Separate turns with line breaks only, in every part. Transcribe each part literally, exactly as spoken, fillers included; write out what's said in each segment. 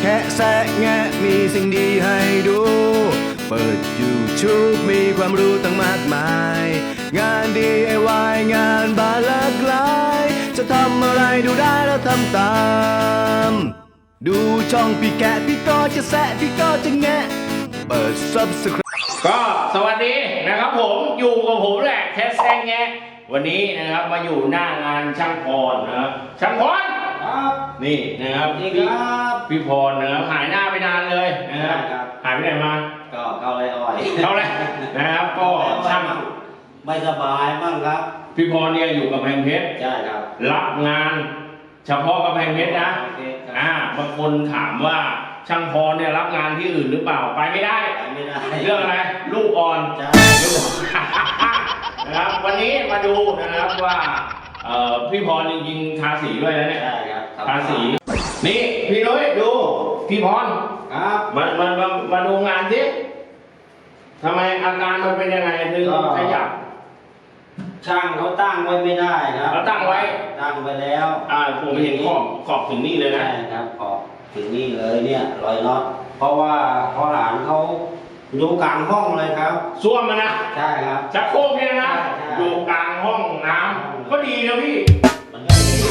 ค่แซะแงะมีสิ่งดีให้ดู เปิด YouTube มีความรู้ตั้งมากมาย งาน ดี ไอ วาย งานบานหลากหลายจะทำอะไรดูได้แล้วทำตาม ดูช่องพี่แกะพี่ก็จะแซะพี่ก็จะแงะเปิด Subscribe
ก็สวัสดีนะครับผมอยู่กับผมแหละแคสแซงแงะวันนี้นะครับมาอยู่หน้างานช่างพรนะครับช่างพรครับนี่นะครับนี่ครับพี่พรนะครับหายหน้าไปนานเลยนะครับหายไปไหนมา
ก็เข้าไรอ่อย
เข้าไรนะครับก็ช่าง
ไม่สบายบ้างครับ
พี่พรเนี่ยอยู่กับแพงเพชร
ใช่ครับ
รับงานเฉพาะกับแพงเพชรนะอ่าบางคนถามว่าช่างพรเนี่ยรับงานที่อื่นหรือเปล่าไปไม่ได้
ไปไม่ได้
เรื่องอะไรลูกอ่อนลูกนะครับวันนี้มาดูนะครับว่าพี่พรจริงๆทาสีด้วยนะเนี่ยทาสีนี่พี่นุ้ยดูพี่พร
ครับ
มามามามาดูงานสิทำไมอาการมันเป็นยังไงถึงขยับ
ช่างเขาตั้งไว้ไม่ได้ครับ
เขาตั้งไว้
ตั้งไว้แล้ว
อ่าผมเห็นขอบขอบถึงนี่เลยนะ
ใช่ครับขอบถึงนี่เลยเนี่ยรอยน็อตเพราะว่าพ่อหลานเขาอยู่กลางห้องเลยครับ
ซ่วมมันนะ
ใช่ครับ
ชักโครกเนี่ยนะอยู่กลางห้องน้ำก็ดีนะพี่
มันก็ดี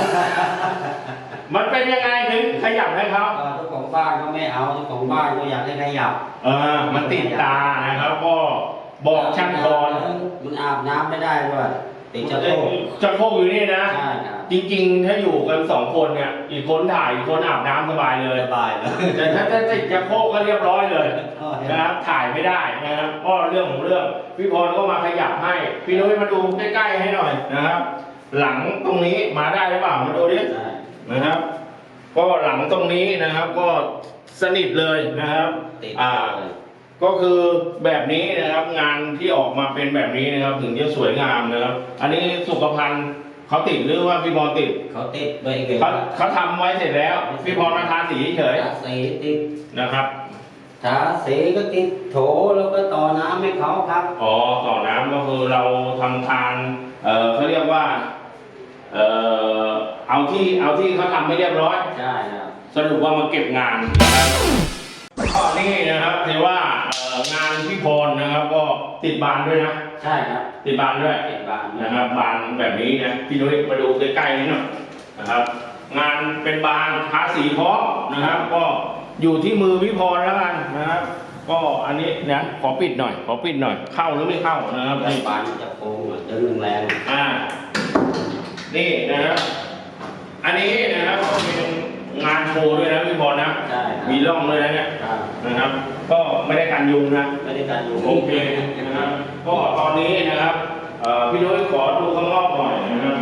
มันเป็นยังไงถึงขยับให้เขา
เจ้าของบ้านเขาไม่เอาเจ้าของบ้านเขาอยากให้ขยับ
เออมันติดตานะครับก็บอกช่างพร
มันอาบน้ำไม่ได้ด้วยติดชักโครก
ชักโครกอยู่นี่นะ
ใช่ครับ
จริงๆถ้าอยู่กันสองคนเนี่ยอีกคนถ่ายอีกคนอาบน้ำสบายเลย
สบายเลย
แต่ถ้าถ้าติดชักโครกก็เรียบร้อยเลยนะครับถ่ายไม่ได้นะครับก็เรื่องของเรื่องพี่พรก็มาขยับให้พี่นุ้ยมาดูใกล้ๆให้หน่อยนะครับหลังตรงนี้มาได้หรือเปล่ามาดูดินะครับก็หลังตรงนี้นะครับก็สนิทเลยนะครับอ่าก็คือแบบนี้นะครับงานที่ออกมาเป็นแบบนี้นะครับถึงจะสวยงามนะครับอันนี้สุขภัณฑ์เขาติดหรือว่าพี่พรติด
เขาติดไว้
เขาเขาทำไว้เสร็จแล้วพี่พรมาทาสีเฉย
ทาสีติด
นะครับ
ทาสีก็ติดโถแล้วก็ต่อน้ำให้เขาครับ
อ๋อต่อน้ำก็คือเราทำทานเอ่อเขาเรียกว่าเอ่อเอาที่เอาที่เขาทำไม่เรียบร้อย
ใช่ครับ
สรุปว่ามาเก็บงานนะครับก็นี่นะครับถือว่างานพี่พรนะครับก็ติดบานด้วยนะ
ใช่ครับ
ติดบานด้วย
ติดบาน
นะครับบานแบบนี้นะพี่นุ้ยมาดูใกล้ๆนี่หน่อยนะครับงานเป็นบานทาสีพร้อมนะครับก็อยู่ที่มือพี่พรแล้วกันนะครับก็อันนี้นะขอปิดหน่อยขอปิดหน่อยเข้าหรือไม่เข้านะครับ
ในบานจะโค้งจะรุนแรง
อ่านี่นะครับอันนี้นะครับก็เป็นงานโชว์ด้วยนะพี่พรนะมีร่องด้วยนะเนี่ยนะครับก็ไม่ได้กันยุงนะ
ไม่ได้กันยุง
โอเคนะครับก็ตอนนี้นะครับพี่นุ้ยขอดูข้างนอกหน่อยนะครับ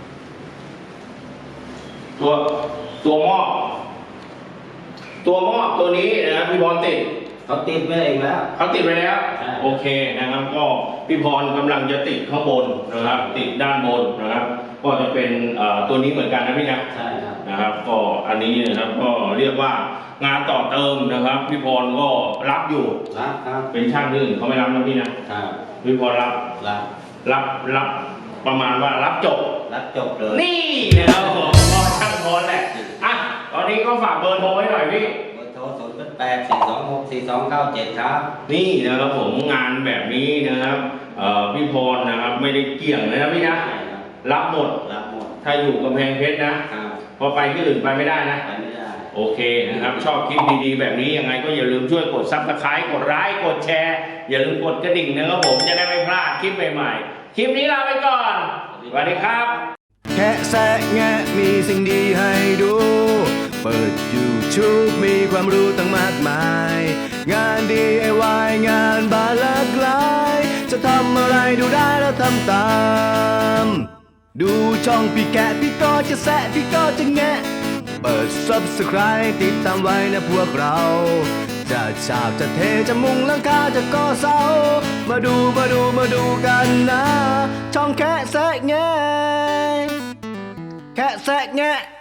ตัวตัวหม้อตัวหม้อตัวนี้นะครับพี่พรติด
เขาติดไว้เองแล้ว
เขาติดไปแล้วโอเคนะครับก็พี่พรกำลังจะติดข้างบนนะครับติดด้านบนนะครับก็จะเป็นตัวนี้เหมือนกันนะพี่นะ
ใช่ครับ
นะครับก็อันนี้นะครับก็เรียกว่างานต่อเติมนะครับพี่พรก็รับอยู่
รับครับ
เป็นช่างอื่นเขาไม่รับนะพี่นะครับพี่พรรับ
รับ
รับรับประมาณว่ารับจบ
รับจบเลย
นี่นะครับผมก็ช่างพรแหละอ่ะตอนนี้ก็ฝากเบอร์โทรไว้หน่อยพี่
ศูนย์แปดสี่สองหกสี่สองเก้าเจ็ดครับ
นี่นะครับผมงานแบบนี้นะครับพี่พรนะครับไม่ได้เกี่ยงเลยนะพี่นะรับหมด
รับหมด
ถ้าอยู่กำแพงเพชรนะพอไปที่อื่นไปไม่ได้นะ
ไปไม่ได้
โอเคนะครับชอบคลิปดีๆแบบนี้ยังไงก็อย่าลืมช่วยกดซับสไครต์กดไลค์กดแชร์อย่าลืมกดกระดิ่งนะครับผมจะได้ไม่พลาดคลิปใหม่ๆคลิปนี้ลาไปก่อนสวัสดีครับ
แค่แซะแงะมีสิ่งดีให้ดูเปิด YouTube มีความรู้ตั้งมากมายงาน ดี ไอ วาย งานบานหลากหลายจะทำอะไรดูได้แล้วทำตามดูช่องพี่แกะพี่ก็จะแซะพี่ก็จะแงะเปิด Subscribe ติดตามไว้นะพวกเราจะฉาบจะเทจะมุงหลังคาจะก่อเสามาดูมาดูมาดูกันนะช่องแค่แซะแงะแค่แซะแงะ